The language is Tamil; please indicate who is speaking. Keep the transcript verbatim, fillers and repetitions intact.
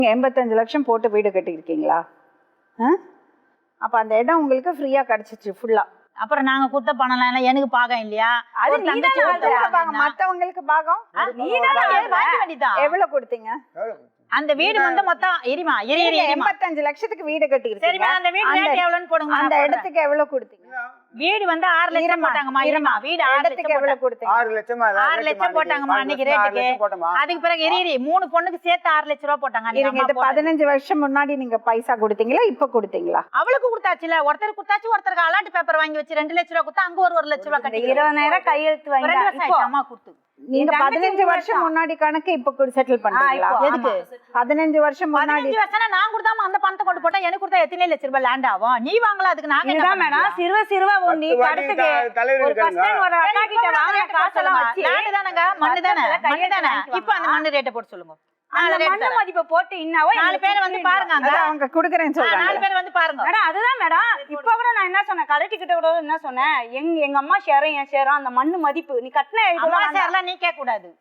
Speaker 1: எண்பத்தஞ்சு லட்சம் போட்டு வீடு கட்டியிருக்கீங்களா? அப்ப அந்த இடம் உங்களுக்கு ஃப்ரீயா கிடைச்சிச்சு ஃபுல்லா.
Speaker 2: அப்புறம் நாங்க குத்த பணம் எல்லாம் எனக்கு பாகம் இல்லையா?
Speaker 1: அது மத்தவங்களுக்கு பாகம் எவ்வளவு கொடுத்தீங்க?
Speaker 2: அந்த வீடு வந்து மொத்தம் எரிமா
Speaker 1: எண்பத்தஞ்சு லட்சத்துக்கு வீடு கட்டி
Speaker 2: சரிமா? அந்த வீடு ரேட் எவ்வளவுன்னு போடுங்க.
Speaker 1: அந்த இடத்துக்கு எவ்வளவு கொடுத்தீங்க?
Speaker 2: வீடு வந்து ஆறு லட்சம் போட்டாங்கம்மா. இருமா, வீடு ஆறு லட்சம்
Speaker 1: எவ்வளவு கொடுத்தீங்க?
Speaker 3: ஆறு லட்சம்
Speaker 2: ஆறு லட்சம் போட்டாங்கம்மா அன்னைக்கு ரேட்டுக்கு. அதுக்கு பிறகு எரி மூணு பொண்ணுக்கு சேர்த்து ஆறு லட்சம் ரூபாய் போட்டாங்க.
Speaker 1: இது பதினஞ்சு வருஷம் முன்னாடி நீங்க பைசா கொடுத்தீங்களா இப்ப கொடுத்தீங்களா?
Speaker 2: அவளுக்கு கொடுத்தாச்சுல, ஒருத்தர் கொடுத்தாச்சு, ஒருத்தருக்கு அலாட் பேப்பர் வாங்கி வச்சு ரெண்டு லட்சம் ரூபாய் கொடுத்தா அங்க ஒரு ஒரு லட்சம் ரூபாய் கட்டி
Speaker 4: இருபதாயிரம் கையெழுத்து வாங்கி
Speaker 2: அம்மா கொடுத்து.
Speaker 1: நீங்க பதினஞ்சு வருஷம் முன்னாடி கணக்கு இப்ப செட்டில் பண்றீங்களா?
Speaker 2: எதுக்கு
Speaker 1: பதினஞ்சு வருஷம் முன்னாடி?
Speaker 2: பதினஞ்சு வருஷம் நான் கொடுத்தாம அந்த பணத்தை கொண்டு போட்டா எனக்கு கொடுத்தா எத்தனை லட்சம் ரூபாய் லேண்ட் ஆகும்? நீ வாங்கலாம், அதுக்கு நாங்க என்ன
Speaker 4: மேடம் சிறுவ சிறுவ நீ கடத்துக்கு ஒரு ஃபர்ஸ்ட் டைம் ஒரு அக்கா கிட்ட வாங்க காசெல்லாம் வச்சு
Speaker 2: லேண்ட் தானங்க, மண்ணு தானே, மண்ணு தானே. இப்போ அந்த மண்ணு ரேட்ட போட்டு சொல்லுங்க.
Speaker 4: அந்த மண்ணு மதிப்பை போட்டு இன்னவோ
Speaker 2: நாலு பேர் வந்து பாருங்க, அங்க
Speaker 1: அவங்க குடுக்குறேன்னு சொல்றாங்க.
Speaker 2: நாலு பேர் வந்து பாருங்க
Speaker 4: மேடம். அதுதான் மேடம், இப்ப கூட நான் என்ன சொன்னேன், கலெக்டர் கிட்ட கூட என்ன சொன்னேன், எங்க எங்க அம்மா ஷேரும் என் ஷேரும் அந்த மண்ணு மதிப்பு நீ கட்டின
Speaker 2: அம்மா ஷேர்லாம் நீ கேட்க கூடாது.